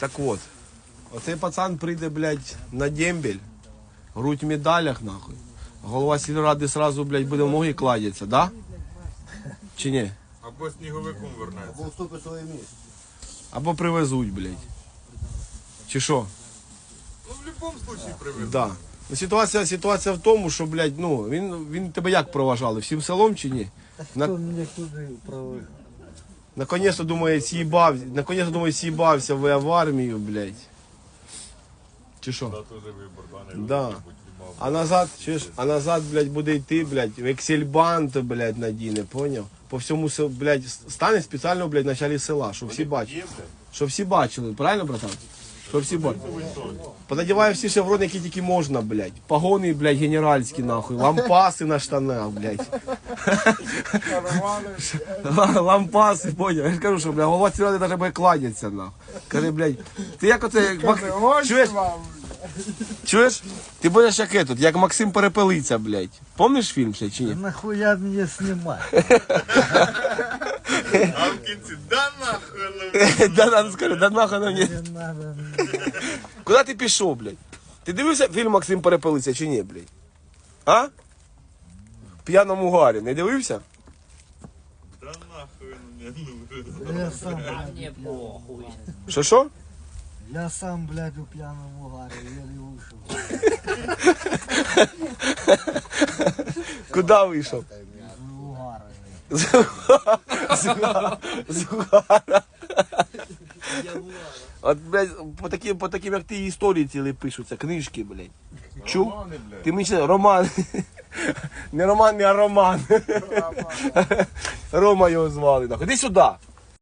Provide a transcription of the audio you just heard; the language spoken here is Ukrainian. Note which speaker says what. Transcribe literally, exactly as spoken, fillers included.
Speaker 1: Так от, оцей пацан прийде, блядь, на дембель, грудь в медалях, нахуй. Голова сільради сразу, блядь, буде в ноги кладеться, да? Чи ні?
Speaker 2: Або сніговиком вернеться.
Speaker 3: Або вступить своє місце.
Speaker 1: Або привезуть, блядь. Чи що?
Speaker 2: Ну, в будь-якому випадку привезуть.
Speaker 1: Да. Ну, ситуація, ситуація в тому, що, блядь, ну, він, він тебе як проважали? Всім селом чи ні? На...
Speaker 3: Хто мене туди проводив?
Speaker 1: Наконец-то, думаю, съебав... Наконец-то, думаю, съебався в, в армію, блядь. Чи що?
Speaker 2: Це теж вибор, да, не
Speaker 1: Да.
Speaker 2: вибір,
Speaker 1: А назад, чуєш, а назад, блядь, буде йти, блядь, в ексельбант, блядь, надіне, поняв? По всьому, сел- блядь, стане спеціально, блядь, в началі села, щоб всі бачили. Щоб всі бачили, правильно, братан? Щоб всі бачили. Понадіваю всі шеврони, які тільки можна, блядь. Погони, блядь, генеральські, нахуй. Лампаси на штанах, блядь. Лампаси, поняв? Я ж кажу, що, блядь, голова сільради навіть буде кланяться, нахуй. Каже, блядь, ти як оце, як Мак- чуєш? Чуєш? Ти будеш як этот, як Максим Перепелиця, блядь. Помниш фільм ще чи ні?
Speaker 3: Нахуя мене знімати?
Speaker 2: А в кінці, да нахуй,
Speaker 1: Да, да, скажи, да нахуй на мені.
Speaker 3: Не надо.
Speaker 1: Куди ти пішов, блядь? Ти дивився фільм Максим Перепелиця чи ні, блядь? А? В п'яному гарі, не дивився?
Speaker 2: да нахуй, не нужен.
Speaker 3: Я сам, блядь,
Speaker 4: Мне похуй.
Speaker 1: Що що?
Speaker 3: я сам, блядь, у п'яному гарі, еле вийшов.
Speaker 1: Куди вийшов?
Speaker 3: У гарі.
Speaker 1: З угара. От, блядь, по таким, по таким, як ти, історії цілі пишуться, книжки, блядь. Чув?
Speaker 2: Романи, блядь.
Speaker 1: Ти мені ще роман. Не роман, не а роман. Рома його звали. Іди сюди.